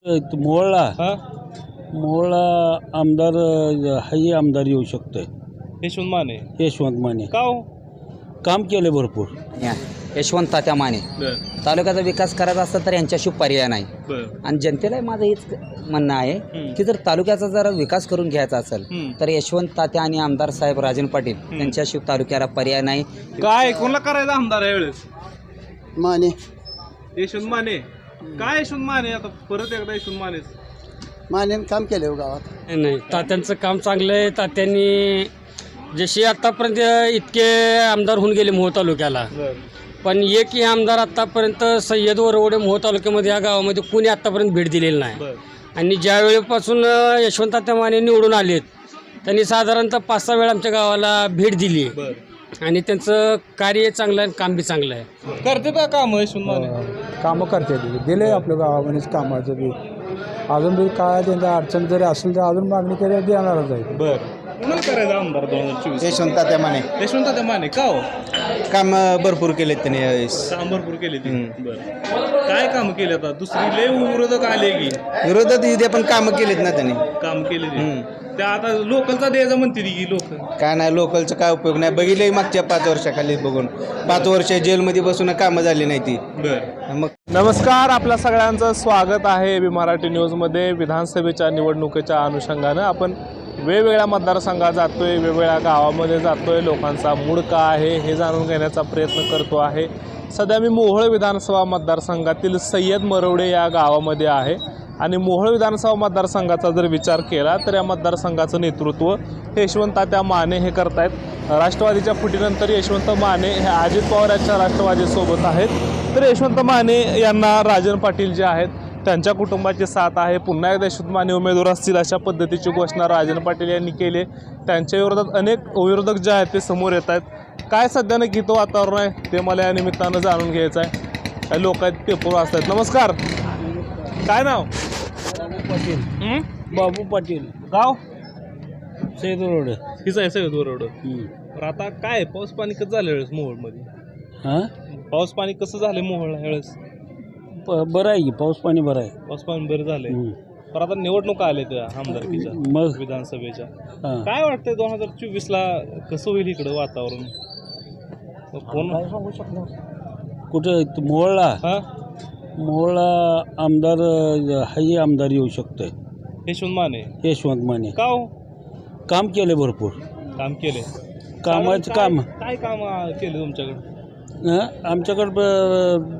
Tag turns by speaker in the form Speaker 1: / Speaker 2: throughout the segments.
Speaker 1: मोहळा
Speaker 2: हा
Speaker 1: मोहळा आमदार हाही आमदार येऊ शकतोय.
Speaker 2: यशवंत माने
Speaker 1: यशवंत माने
Speaker 2: का हो?
Speaker 1: काम केले भरपूर.
Speaker 3: यशवंत तात्या माने
Speaker 2: बर
Speaker 3: तालुक्याचा विकास करायचा असता तर यांच्याशी पर्याय नाही.
Speaker 2: बर
Speaker 3: आणि जनतेला माझं हेच म्हणणं आहे की जर तालुक्याचा जर विकास करून घ्यायचा असेल तर यशवंत तात्या आणि आमदार साहेब राजन पाटील यांच्याशी तालुक्याला पर्याय नाही.
Speaker 2: काय कोणाला करायचं आमदार यावेळेस?
Speaker 4: माने
Speaker 2: यशवंत माने. काय यशवंत माने? आता परत एकदा यशवंत मानेच.
Speaker 4: मानेनं काम केलं हो गावात.
Speaker 5: नाही, तात्यांचं काम चांगलं आहे. तात्यांनी जसे आत्तापर्यंत इतके आमदार होऊन गेले मोह तालुक्याला,
Speaker 2: बर
Speaker 5: पण एकही आमदार आत्तापर्यंत सय्यद वरवडे मोह तालुक्यामध्ये या गावामध्ये कुणी आत्तापर्यंत भेट दिलेली नाही.
Speaker 2: बर
Speaker 5: आणि ज्या वेळेपासून यशवंत तात्या माने निवडून आलेत त्यांनी साधारणतः 5-6 वेळा आमच्या गावाला भेट दिली
Speaker 2: बर
Speaker 5: आणि त्यांचं कार्य चांगलं आहे, काम बी चांगलं आहे.
Speaker 2: करते का काम यशवंत माने?
Speaker 6: कामं करते दिले आपल्या गावामध्येच कामाचं बी. अजून बी काय त्यांच्या अडचण जरी असेल तर अजून मागणी केली देणारच आहे.
Speaker 2: बर कोणाला करायचं आमदार 2024?
Speaker 4: यशवंत तात्या माने
Speaker 2: यशवंत तात्या माने का हो?
Speaker 4: काम भरपूर केलेत त्यांनी यावेळेस.
Speaker 2: काम भरपूर केले ते. बर काय काम केले? आता दुसरी लय विरोधक आले की
Speaker 4: विरोधात इथे पण कामं केलेत ना त्यांनी.
Speaker 2: काम केले ते. त्या आता लोकलचा द्यायचा म्हणते की लोक
Speaker 4: काय नाही लोकलचा काय उपयोग नाही. बघितलं मागच्या 5 वर्षाखाली बघून 5 वर्ष जेलमध्ये बसून कामं झाली नाही ती.
Speaker 2: बर
Speaker 4: मग
Speaker 2: नमस्कार, आपल्या सगळ्यांचं स्वागत आहे बी मराठी न्यूजमध्ये. विधानसभेच्या निवडणुकीच्या अनुषंगानं आपण वेगवेगळ्या मतदारसंघात जातोय, वेगवेगळ्या गावामध्ये जातोय, लोकांचा मूड का आहे हे जाणून घेण्याचा प्रयत्न करतो आहे. सध्या मी मोहोळ विधानसभा मतदारसंघातील सय्यद मरवडे या गावामध्ये आहे आणि मोहोळ विधानसभा मतदारसंघाचा जर विचार केला तर या मतदारसंघाचं नेतृत्व हे यशवंत तात्या माने हे करतायत. राष्ट्रवादीच्या फुटीनंतर यशवंत माने हे अजित पवार यांच्या राष्ट्रवादीसोबत आहेत, तर यशवंत माने यांना राजन पाटील जे आहेत त्यांच्या कुटुंबाची साथ आहे. पुन्हा एकदा यशवंत माने उमेदवार असतील अशा पद्धतीची घोषणा राजन पाटील यांनी केली. त्यांच्या विरोधात अनेक विरोधक जे आहेत ते समोर येत आहेत. काय सध्या गीतं वातावरण आहे ते मला या निमित्तानं जाणून घ्यायचं आहे. काही लोक आहेत पेपर वाचतात. नमस्कार, काय नाव?
Speaker 1: बाबू पाटील
Speaker 2: गाव
Speaker 1: सैद रोड.
Speaker 2: हिचं आहे सगळं बरोबर. तर आता काय पाऊस पाणी कसं झालं वेळेस मोहोळमध्ये?
Speaker 1: हां
Speaker 2: पाऊस पाणी कसं झालं मोहोळला वेळेस?
Speaker 1: बरं आहे की पाऊस पाणी बरं आहे.
Speaker 2: पाऊस पाणी बरं झालंय. पण आता निवडणुका आल्या त्या आमदारकीच्या
Speaker 1: मग
Speaker 2: विधानसभेच्या.
Speaker 1: हां
Speaker 2: काय वाटतंय 2024ला कसं होईल इकडं वातावरण? कोण
Speaker 1: कुठं मोहळा
Speaker 2: हा
Speaker 1: मोहळा आमदार हाही आमदार येऊ शकतोय.
Speaker 2: यशवंत माने.
Speaker 1: यशवंत माने
Speaker 2: का हो?
Speaker 1: काम केले भरपूर.
Speaker 2: काम केले.
Speaker 1: कामाचं काम
Speaker 2: काय काम केलं तुमच्याकडे?
Speaker 1: आमच्याकडं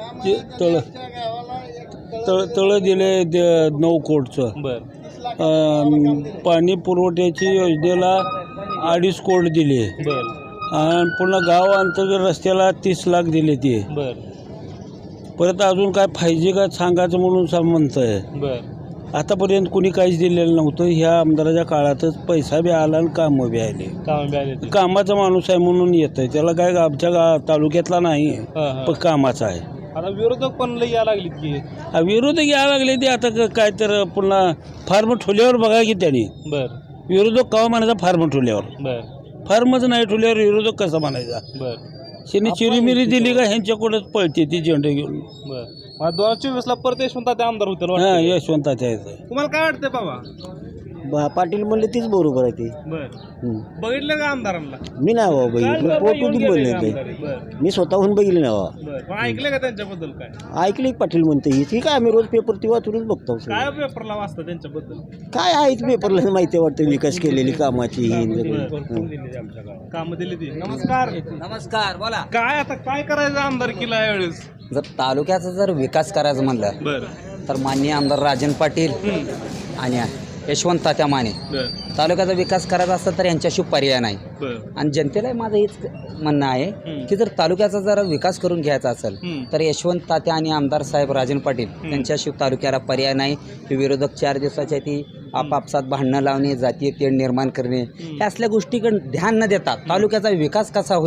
Speaker 1: तळं दिले 9 कोटचं.
Speaker 2: बर
Speaker 1: पाणी पुरवठ्याची योजनेला 2.5 कोट दिले
Speaker 2: बर
Speaker 1: आणि पुन्हा गाव अंतर्गत रस्त्याला 30 लाख दिले ते.
Speaker 2: बर
Speaker 1: परत अजून काय पाहिजे का सांगायचं म्हणून म्हणतंय.
Speaker 2: बर
Speaker 1: आतापर्यंत कुणी काहीच दिलेलं नव्हतं. ह्या आमदाराच्या काळातच पैसा बी आला आणि कामं बी आले.
Speaker 2: काम बी आले ते.
Speaker 1: कामाचा माणूस आहे म्हणून येत आहे. त्याला काय आमच्या तालुक्यातला नाही
Speaker 2: हा, हा.
Speaker 1: पण कामाचा आहे.
Speaker 2: आता विरोधक पण लई यायला लागलीत की.
Speaker 1: विरोधक यायला लागले ते आता काय तर पुन्हा फार्म ठेवल्यावर बघा की त्यांनी
Speaker 2: बर
Speaker 1: विरोधक कवा म्हणायचा फार्म ठेवल्यावर.
Speaker 2: बर
Speaker 1: फार्मच नाही ठेवल्यावर विरोधक कसा म्हणायचा?
Speaker 2: बर
Speaker 1: त्यांनी चिरीमिरी दिली का ह्यांच्याकडंच पळते ती झेंडे घेऊन.
Speaker 2: बर 2024ला परत यशवंत तात्या आमदार होतील
Speaker 1: हां
Speaker 2: वाटतंय.
Speaker 1: यशवंताच्या आहे.
Speaker 2: तुम्हाला काय वाटतंय बाबा?
Speaker 4: पाटील म्हणले तीच बरोबर आहे ती.
Speaker 2: बर बघितलं का आमदारांना?
Speaker 4: मी नाही बाबा
Speaker 2: काय
Speaker 4: बघितलं,
Speaker 2: बाबा येऊन
Speaker 4: पोटून
Speaker 2: गेले
Speaker 4: बोलले
Speaker 2: का
Speaker 4: ते.
Speaker 2: आमदार? बर
Speaker 4: मी स्वतःहून बघितले ना बाबा.
Speaker 2: बर पण ऐकलं का त्यांच्याबद्दल काय?
Speaker 4: ऐकले पाटील म्हणते ही ठीक आहे. आम्ही रोज पेपर ती वाचूनच बघतो.
Speaker 2: काय पेपरला वाचता त्यांच्याबद्दल?
Speaker 4: काय आहेच पेपरला माहिती वाटतं विकास केलेली कामाची ही
Speaker 2: कामं दिली ती. नमस्कार.
Speaker 3: नमस्कार, बोला.
Speaker 2: काय आता काय करायचं आमदारकीला यावेळेस?
Speaker 3: जर तालुक्याचा जर विकास करायचं म्हणलं
Speaker 2: बर
Speaker 3: तर माननीय आमदार राजन पाटील आणि यशवंत तात्या माने
Speaker 2: बर
Speaker 3: तालुक्याचा विकास करायचा असता तर यांच्याशी पर्याय नाही.
Speaker 2: बर
Speaker 3: आणि जनतेला माझं हेच म्हणणं आहे की जर तालुक्याचा जर विकास करून घ्यायचा असेल तर यशवंत तात्या आणि आमदार साहेब राजन पाटील यांच्याशी तालुक्याला पर्याय नाही. ते विरोधक 4 दिवसाच्या ती आपापसात भांडणं लावणे, जातीय तेढ निर्माण करणे, हे असल्या गोष्टीकडे ध्यान न देता तालुक्याचा विकास कसा होईल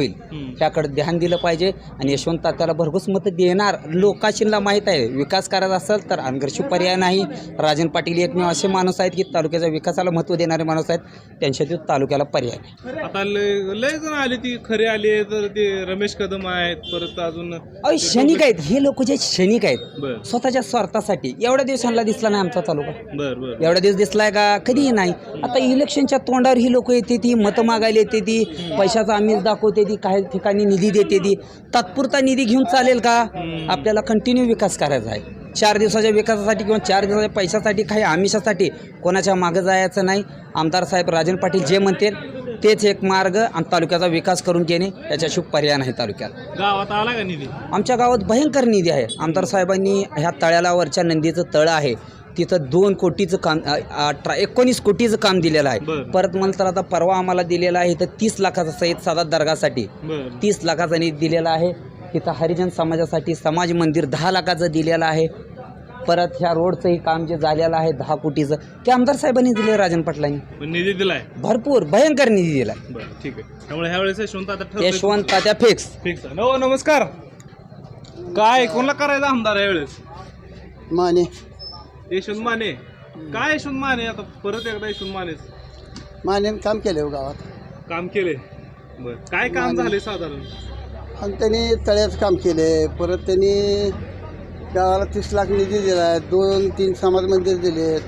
Speaker 3: त्याकडे ध्यान दिलं पाहिजे. आणि यशवंत तात्याला भरघोस मतं देणार लोकाशींना माहीत आहे. विकास करायचा असेल तर अनगरशी पर्याय नाही. राजन पाटील एकमेव असे माणूस आहेत की तालुक्याच्या विकासाला महत्त्व देणारे माणूस आहेत. त्यांच्यातील तालुक्याला पर्याय नाही.
Speaker 2: आता लय जण आले, ती खरे आले तर ते रमेश कदम आहेत, परत अजून
Speaker 3: क्षणिक आहेत हे लोक, जे क्षणिक आहेत
Speaker 2: बर
Speaker 3: स्वतःच्या स्वार्थासाठी. एवढ्या दिवसांना दिसला नाही आमचा तालुका,
Speaker 2: बर बर
Speaker 3: एवढ्या दिवस दिसलाय का? कधीही नाही. आता इलेक्शनच्या तोंडावर ही लोक येते, ती मतं मागायला येते, ती पैशाचा आमिष दाखवते, ती काही ठिकाणी निधी देते, ती तात्पुरता निधी घेऊन चालेल का? आपल्याला कंटिन्यू विकास करायचा आहे. 4 दिवसाच्या विकासासाठी किंवा 4 दिवसाच्या पैशासाठी, काही आमिषासाठी कोणाच्या मागं जायचं नाही. आमदार साहेब राजन पाटील जे म्हणतील तेच एक मार्ग आणि तालुक्याचा विकास करून घेणे, याच्याशिवाय पर्याय नाही तालुक्यात.
Speaker 2: गावात आला का निधी?
Speaker 3: आमच्या गावात भयंकर निधी आहे. आमदार साहेबांनी ह्या तळ्याला, वरच्या नंदीचं तळं आहे तिथं 2 कोटीचं काम, 19 कोटीचं काम दिलेलं आहे. परत म्हणलं तर आता परवा आम्हाला दिलेलं आहे तर 30 लाखाचा सय्यद सादात दर्गासाठी 30 लाखाचा निधी दिलेला आहे. तिथं हरिजन समाजासाठी समाज मंदिर 10 लाखाचं दिलेलं आहे. परत ह्या रोडचंही काम जे झालेलं आहे 10 कोटीचं, ते आमदार साहेबांनी दिले. राजन पाटलांनी
Speaker 2: निधी दिलाय,
Speaker 3: भरपूर भयंकर निधी दिलाय.
Speaker 2: ठीक आहे. त्यामुळे ह्या वेळेस
Speaker 3: यशवंत तात्या फिक्स.
Speaker 2: हो, नमस्कार. काय कोणाला करायचं आमदार यावेळेस?
Speaker 6: माने
Speaker 2: यशवंत माने. काय यशवंत माने? आता परत एकदा यशवंत
Speaker 6: माने काम केले गावात,
Speaker 2: काम केले. बर, काय काम झाले साधारण?
Speaker 6: आणि त्यांनी तळ्याचं काम केले. परत त्यांनी गावाला 30 लाख निधी दिला, 2-3 समाज मंदिर दिलेत.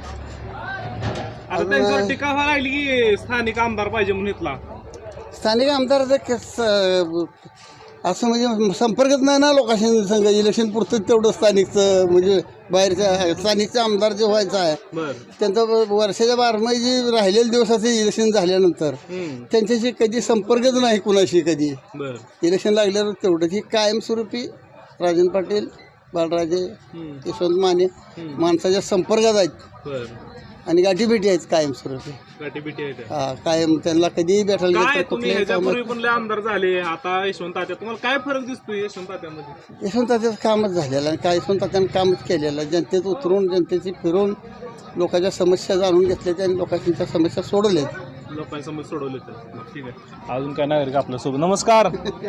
Speaker 2: आता त्यांच्यावर टीका व्हायला लागली की स्थानिक आमदार पाहिजे म्हणून इथला.
Speaker 6: स्थानिक आमदाराचं असं म्हणजे संपर्कच नाही ना लोकांशी संघ. इलेक्शन पुरतं तेवढं स्थानिकचं, म्हणजे बाहेरच्या स्थानिकचा आमदार जे व्हायचा आहे त्यांचं वर्षाच्या 12 जे राहिलेले दिवसाचे इलेक्शन झाल्यानंतर त्यांच्याशी कधी संपर्कच नाही कुणाशी कधी. इलेक्शन लागल्यावर तेवढंच ही कायमस्वरूपी राजन पाटील, बाळराजे, यशवंत माने माणसाच्या संपर्कात आहेत आणि गाठीभेटी आहेत कायमस्वरूपी. हा, कायम त्यांना कधीही भेटायला
Speaker 2: आमदार झाले. आता यशवंत तात्या, तुम्हाला काय फरक दिसतोय यशवंत तात्यामध्ये?
Speaker 6: यशवंत तात्याचं कामच झालेलं आहे. काय यशवंत तात्यानं कामच केलेलं आहे. जनतेत उतरून, जनतेची फिरून लोकांच्या समस्या जाणून घेतल्या आणि लोकांच्या समस्या सोडवल्यात.
Speaker 2: लोकांसमोर सोडवले तर ठीक आहे. अजून काय नागरिक आपल्यासोबत? नमस्कार.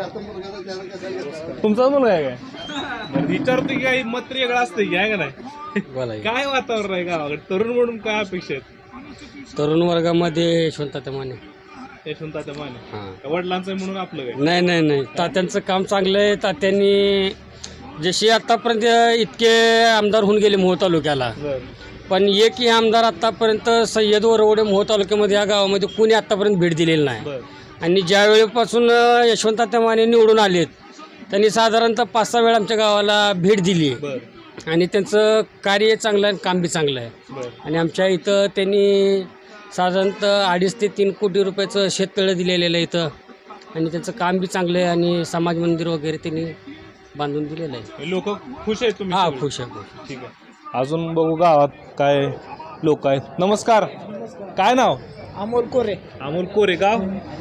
Speaker 2: तुमचा मुलगा आहे काय? विचारतो की काही मत वेगळं असतं की आहे का नाही? काय वातावरण आहे गावाकडे तरुण म्हणून? काय अपेक्षा आहेत
Speaker 5: तरुण वर्गामध्ये? यशवंत तात्या माने.
Speaker 2: यशवंत तात्या माने वडिलांचं म्हणून आपलं काय?
Speaker 5: नाही, तात्यांचं काम चांगलं आहे. तात्यांनी जशी आतापर्यंत इतके आमदार होऊन गेले मोह तालुक्याला, पण एकही आमदार आत्तापर्यंत सय्यद वरवडे मोह तालुक्यामध्ये या गावामध्ये कोणी आत्तापर्यंत भेट दिलेली नाही. आणि ज्या वेळेपासून यशवंत तात्या माने निवडून आलेत त्यांनी साधारणतः 5-6 वेळा आमच्या गावाला भेट दिली आणि त्यांचं कार्य चांगलं आहे, काम बी चांगलं आहे. आणि आमच्या इथं त्यांनी साधारणतः 2.5 ते 3 कोटी रुपयाचं शेततळं दिलेलं आहे इथं. आणि त्यांचं काम बी चांगलं आहे आणि समाज मंदिर वगैरे त्यांनी बांधून दिलेलं आहे.
Speaker 2: लोक खुश आहेत तुम्ही?
Speaker 5: हा, खुश आहे.
Speaker 2: ठीक आहे. अजून बघू गावात काय लोक आहेत. नमस्कार. काय नाव?
Speaker 7: अमोल कोरे.
Speaker 2: अमोल कोरे. गाव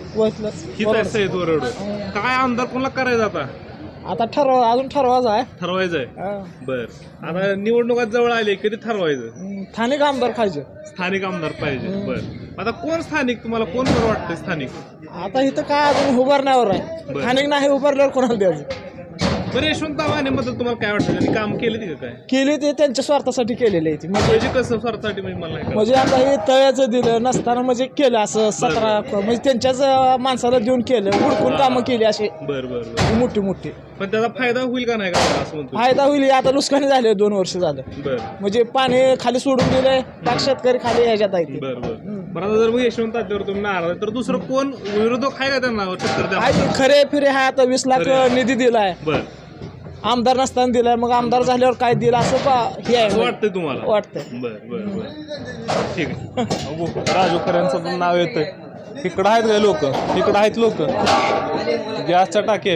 Speaker 7: वसलं.
Speaker 2: काय आमदार कोणाला करायचं आता?
Speaker 7: आता अजून
Speaker 2: ठरवायचंय. बर, आता निवडणुका जवळ आली, कधी ठरवायचं?
Speaker 7: स्थानिक आमदार खायचे.
Speaker 2: स्थानिक आमदार पाहिजे. बर, आता कोण स्थानिक तुम्हाला कोण बरं वाटतं स्थानिक?
Speaker 7: आता इथं काय अजून उभारण्यावर आहे. स्थानिक नाही उभारल्यावर कोणाला द्यायचं?
Speaker 2: बरं, यशवंत मानेबद्दल तुम्हाला काय वाटतं? त्यांनी काम केले ते काय
Speaker 7: केले ते त्यांच्या स्वार्थासाठी केलेले आहे.
Speaker 2: म्हणजे कसं स्वार्थासाठी? म्हणजे मला नाही
Speaker 7: म्हणजे आता हे तळ्याचं दिलं नसताना म्हणजे केलं असं 17 म्हणजे त्यांच्याच माणसाला देऊन केलं, हुडकून कामं केली असे.
Speaker 2: बरं
Speaker 7: मोठी.
Speaker 2: पण त्याचा फायदा होईल का नाही का असं म्हणतो?
Speaker 7: फायदा होईल. आता नुकसानी झाले 2 वर्ष झालं. म्हणजे पाणी खाली सोडून दिलंय, पाक शेतकरी खाली ह्याच्यात आहे.
Speaker 2: बरं, आता जर मग यशवंत तात्यावर तुम्ही नाराज तर दुसरं कोण विरोधक आहे का त्यांना?
Speaker 7: खरे फिरे आहे. आता 20 लाख निधी दिलाय, आमदार नसताना दिलाय. मग आमदार झाल्यावर काय दिलं असं हे आहे
Speaker 2: वाटतंय तुम्हाला?
Speaker 7: वाटतंय.
Speaker 2: बरं, ठीक आहे. राजू खऱ्यांचं पण नाव येतंय. इकडं आहेत काय लोक? इकडं आहेत लोक. गॅसच्या टाकी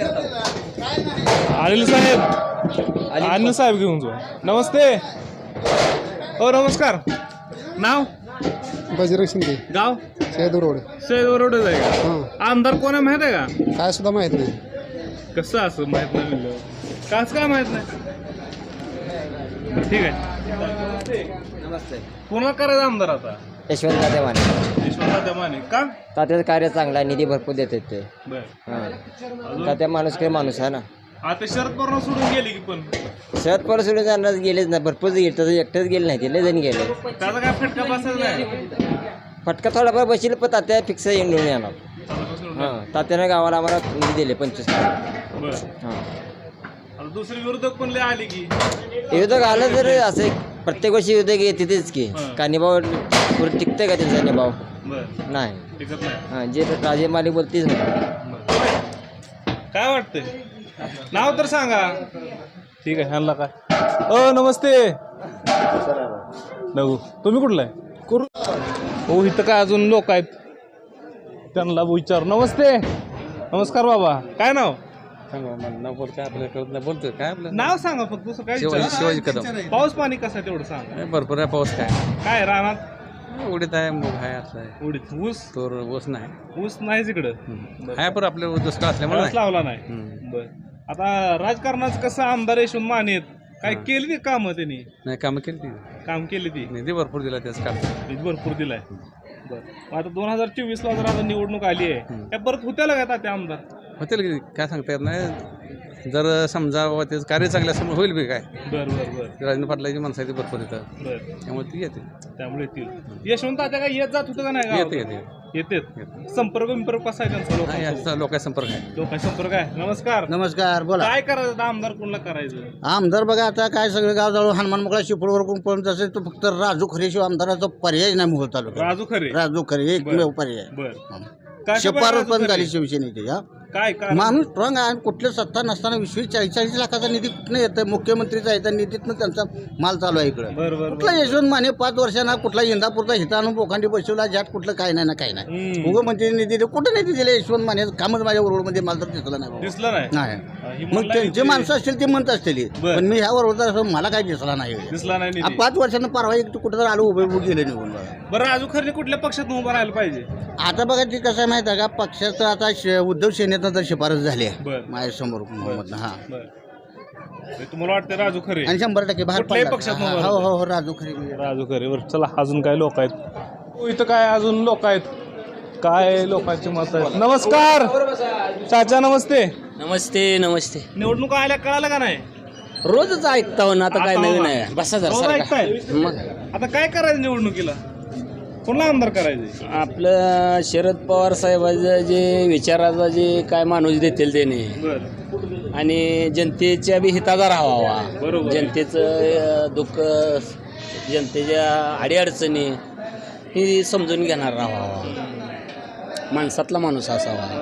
Speaker 2: अनिल साहेब घेऊन जाऊ. नमस्ते. हो, नमस्कार. नाव?
Speaker 6: बजरंग शिंदे.
Speaker 2: गाव? सैदवरोडच आहे का? आमदार कोण आहे माहित आहे का?
Speaker 6: काय सुद्धा माहित नाही.
Speaker 2: कसं असं माहित नाही म्हणलं? काच काय माहित नाही? ठीक आहे.
Speaker 3: नमस्ते.
Speaker 2: कोणाला करायचं आमदार आता?
Speaker 3: यशवंत तात्या माने.
Speaker 2: तात्या माने का?
Speaker 8: तात्याचं कार्य चांगलं आहे, निधी भरपूर देतात ते.
Speaker 2: बर
Speaker 8: हां तात्या माणूस काही माणूस आहे ना.
Speaker 2: आता शरद पवार सोडून गेले की पण
Speaker 8: शरद पवार सोडून जाणार गेलेच ना, भरपूर गेले, तसं एकटंच गेले नाही ते, लय जण गेले.
Speaker 2: त्याचा काय फटका बसत नाही.
Speaker 8: फटका थोडाफार बसेल पण तात्या फिक्स येऊन येणार. हां तात्यानं गावाला आम्हाला निधी दिले 25 लाख.
Speaker 2: बर
Speaker 8: हां
Speaker 2: आता दुसरी विरोधक पण लय आले की.
Speaker 8: विरोधक आलं तर असं प्रत्येक वर्षी विरोधक येतेच की. का निभाव पुढे टिकते का त्यांचा निभाव?
Speaker 2: बर
Speaker 8: नाही.
Speaker 2: टिकत नाही.
Speaker 8: हां जे राजे मालिक बोलतेच नाही.
Speaker 2: काय वाटतंय? नाव तर सांगा. ठीक आहे. ह्यांना काय नमस्ते नगू, तुम्ही कुठला आहे? हो इथं काय अजून लोक आहेत, त्यांना विचार. नमस्ते. नमस्कार बाबा, काय नाव?
Speaker 9: बोलतोय काय आपलं
Speaker 2: नाव सांगा फक्त. दुसरं काय
Speaker 9: शिवाजी कदम.
Speaker 2: पाऊस पाणी कसं आहे तेवढं सांगा.
Speaker 9: भरपूर आहे पाऊस.
Speaker 2: काय रानात
Speaker 9: उडीत आहे, मूग आहे, असं आहे.
Speaker 2: उडीत ऊस
Speaker 9: तोर ऊस नाही.
Speaker 2: ऊस नाहीच इकडं.
Speaker 9: आहे पण आपल्या दुष्काळ असल्यामुळे
Speaker 2: ऊस लावला नाही. बर आता राजकारणाचं कसं आमदार यशवंत माने आहेत, काय केली ती कामं त्यांनी?
Speaker 9: नाही कामं केली ती,
Speaker 2: काम केली ती,
Speaker 9: निधी भरपूर दिला त्याच काम.
Speaker 2: निधी भरपूर दिलाय. बरं आता 2024 ला जर आता निवडणूक आली आहे, त्या परत होत्याला का त्या आमदार?
Speaker 9: होतील की काय सांगता येत नाही. जर समजा त्याचं कार्य चांगलं असल्यामुळे होईल बी काय.
Speaker 2: बरं बरं बरं.
Speaker 9: राजेंद्र पाटलाची माणसं आहे ती भरपूर येतात,
Speaker 2: बरं
Speaker 9: त्यामुळे ती येते.
Speaker 2: त्यामुळे येतील. यशवंत आता काय येत जात होतं का नाही?
Speaker 9: येते येते
Speaker 2: येते. संपर्क विंपर्क कसा आहे त्यांचा? लोकांचा
Speaker 9: लोकांचा संपर्क आहे.
Speaker 2: लोकांचा संपर्क आहे. नमस्कार.
Speaker 6: नमस्कार, बोला.
Speaker 2: काय करायचं आमदार कोणला करायचं?
Speaker 6: आमदार बघा आता काय सगळं गाव जवळ हनुमान मोकळा शिपळवर पण तसे तो फक्त राजू खरेशिवाय आमदाराचा पर्याय नाही मोहोळ तालुक्यात.
Speaker 2: राजू खरे.
Speaker 6: राजू खरे एकमेव पर्याय.
Speaker 2: बरं
Speaker 6: शिफारस पण झाली शिवसेनेची.
Speaker 2: काय
Speaker 6: माणूस स्ट्रॉंग आहे. कुठल्या सत्ता नसताना 20-40 लाखाचा निधी कुठनं येतं? मुख्यमंत्रीचा येतं निधीतनं त्यांचा माल चालू आहे इकडं. कुठला यशवंत माने 5 वर्षांना कुठला इंदापूरचा हिताणून पोखांडी बसवला जाट कुठलं काय नाही ना काय नाही. मुख्यमंत्री निधी कुठं निधी दिले यशवंत माने? कामच माझ्या रोडमध्ये मला तर दिसला नाही.
Speaker 2: दिसलं
Speaker 6: नाही. मग त्यांचे माणसं असतील ते म्हणत असतील, पण मी ह्या बरोबर मला काही दिसला नाही.
Speaker 2: दिसला नाही.
Speaker 6: 5 वर्षांना परवा एक कुठं तर आलो उभे गेले निघून.
Speaker 2: बरं राजू खरे कुठल्या पक्षात उभं राहायला पाहिजे?
Speaker 6: आता बघा ते कसं आहे माहिती आहे का, पक्षाचं आता उद्धव सेनेतनं तर शिफारस झाली आहे माझ्यासमोर. हा
Speaker 2: तुम्हाला वाटतं राजू खरे?
Speaker 6: आणि 100% बाहेर
Speaker 2: कुठल्याही
Speaker 6: पडला.
Speaker 2: पक्षात
Speaker 6: हो हो हो राजू खरे.
Speaker 2: राजू खरे. बरं चला अजून काय लोक आहेत इथं? काय अजून लोक आहेत? काय लोकांची मत आहेत? नमस्कार चाचा. नमस्ते.
Speaker 5: नमस्ते नमस्ते.
Speaker 2: निवडणूक आल्या कळालं का नाही?
Speaker 5: रोजच ऐकता ना, आता काय नवीन आहे? बसा
Speaker 2: रोज ऐकताय.
Speaker 5: मग
Speaker 2: आता काय करायचं निवडणुकीला? कोणला आमदार करायचे?
Speaker 5: आपलं शरद पवार साहेबाचं जे विचाराचा जे काय माणूस देतील त्याने,
Speaker 2: बरं
Speaker 5: आणि जनतेच्या बी हिताचा राहावा.
Speaker 2: बरोबर.
Speaker 5: जनतेचं दुःख, जनतेच्या अडीअडचणी ही समजून घेणार राहावा. माणसातला माणूस असावा.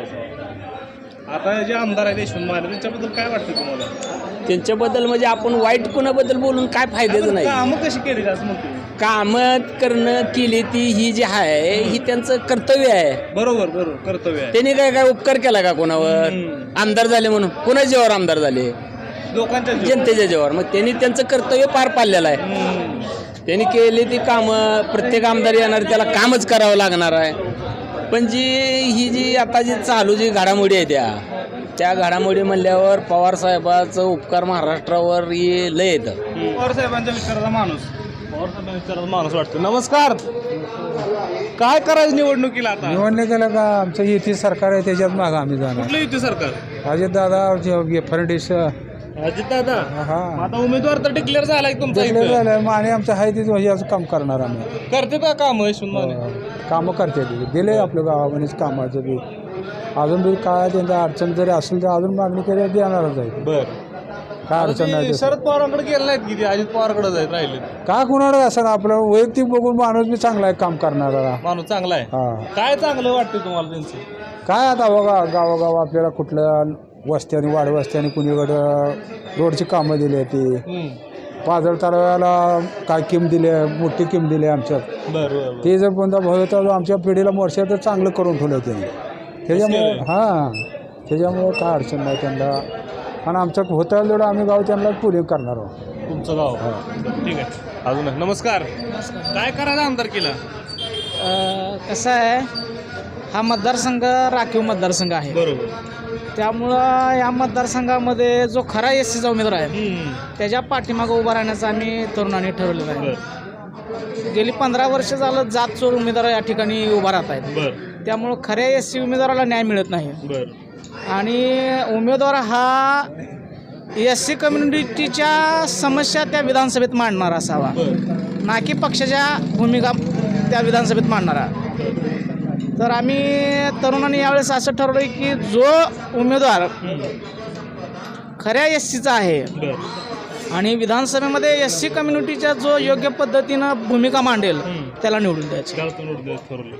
Speaker 2: आता जे आमदार आहेत यशवंत माने त्यांच्याबद्दल काय वाटतं तुम्हाला?
Speaker 5: त्यांच्याबद्दल म्हणजे आपण वाईट कोणाबद्दल बोलून काय फायद्याचं नाही.
Speaker 2: कामं कशी केली असं म्हणतो?
Speaker 5: कामं करणं केली ती ही जी आहे ही त्यांचं कर्तव्य आहे.
Speaker 2: बरोबर बरोबर कर्तव्य आहे.
Speaker 5: त्यांनी काय उपकार केला का कोणावर? आमदार झाले म्हणून कोणाच्या जीवावर आमदार झाले?
Speaker 2: लोकांच्या
Speaker 5: जनतेच्या जीवावर. मग त्यांनी त्यांचं कर्तव्य पार पाडलेलं आहे. त्यांनी केली ती कामं. प्रत्येक आमदार येणार त्याला कामच करावं लागणार आहे. पण ही जी आता जी चालू जी घडामोडी आहे त्या घडामोडी म्हणल्यावर पवार साहेबाचं उपकार महाराष्ट्रावर लय येतं.
Speaker 2: पवार साहेबांच्या विचाराचा माणूस. माणूस वाटतो. नमस्कार. काय करायचं निवडणुकीला आता?
Speaker 10: निवडणुकीला का आमचं युती सरकार आहे त्याच्यात मागं आम्ही जाणार.
Speaker 2: कुठलं युती सरकार?
Speaker 10: अजितदादा फर्निश.
Speaker 2: अजितदादा.
Speaker 10: हा
Speaker 2: आता उमेदवार तर डिक्लेअर झालाय तुमचा?
Speaker 10: झालं माने आमचं आहे ते याचं काम करणार आम्ही.
Speaker 2: करते का काम यशवंत माने?
Speaker 10: कामं करते दिले आपल्या गावामध्येच कामाचं बी. अजून बी काय त्यांचा अडचण जरी असेल तर अजून मागणी केली देणारच आहे.
Speaker 2: बरं
Speaker 10: काय अडचण नाही.
Speaker 2: शरद पवारांकडे गेले नाहीत किती? अजित पवारकडे जायत राहिले.
Speaker 10: काय कुणाला असं आपलं वैयक्तिक बघून माणूस बी चांगला आहे काम करणारा.
Speaker 2: माणूस चांगला आहे.
Speaker 10: हा
Speaker 2: काय चांगलं वाटतं तुम्हाला त्यांचं?
Speaker 10: काय आता बघा गावागाव आपल्याला कुठल्या वस्त्याने वाडवस्त्याने कुणीकडं रोडची कामं दिली ती. पाजळ तलावाला काय किम दिली, मोठी किम दिली आमच्यात.
Speaker 2: बरं.
Speaker 10: ते जर कोणता भविष्य आमच्या पिढीला मोर्चा तर चांगलं करून ठेवलं त्यांनी. त्याच्यामुळे त्याच्यामुळं काय अडचण नाही त्यांना. आणि आमचं होतं तेवढं आम्ही गाव त्यांना पुढे करणार आहोत.
Speaker 2: तुमचं गाव? ठीक आहे. अजून नमस्कार. काय करायचं आमदार केला?
Speaker 7: कसं आहे, हा मतदारसंघ राखीव मतदारसंघ आहे.
Speaker 2: बरोबर.
Speaker 7: त्यामुळं या मतदारसंघामध्ये जो खरा एस सीचा उमेदवार आहे त्याच्या पाठीमागं उभा राहण्याचं आम्ही तरुणांनी ठरवलेलं आहे. गेली 15 वर्ष झालं जात चोर उमेदवार या ठिकाणी उभा राहत आहेत. त्यामुळं खऱ्या एस सी उमेदवाराला न्याय मिळत नाही. आणि उमेदवार हा एस सी कम्युनिटीच्या समस्या त्या विधानसभेत मांडणारा असावा, ना की पक्षाच्या भूमिका त्या विधानसभेत मांडणारा. तर आम्ही तरुणांनी यावेळेस असं ठरवलं की जो उमेदवार खऱ्या एस सीचा आहे आणि विधानसभेमध्ये एस सी कम्युनिटीच्या जो योग्य पद्धतीनं भूमिका मांडेल त्याला निवडून द्यायचं.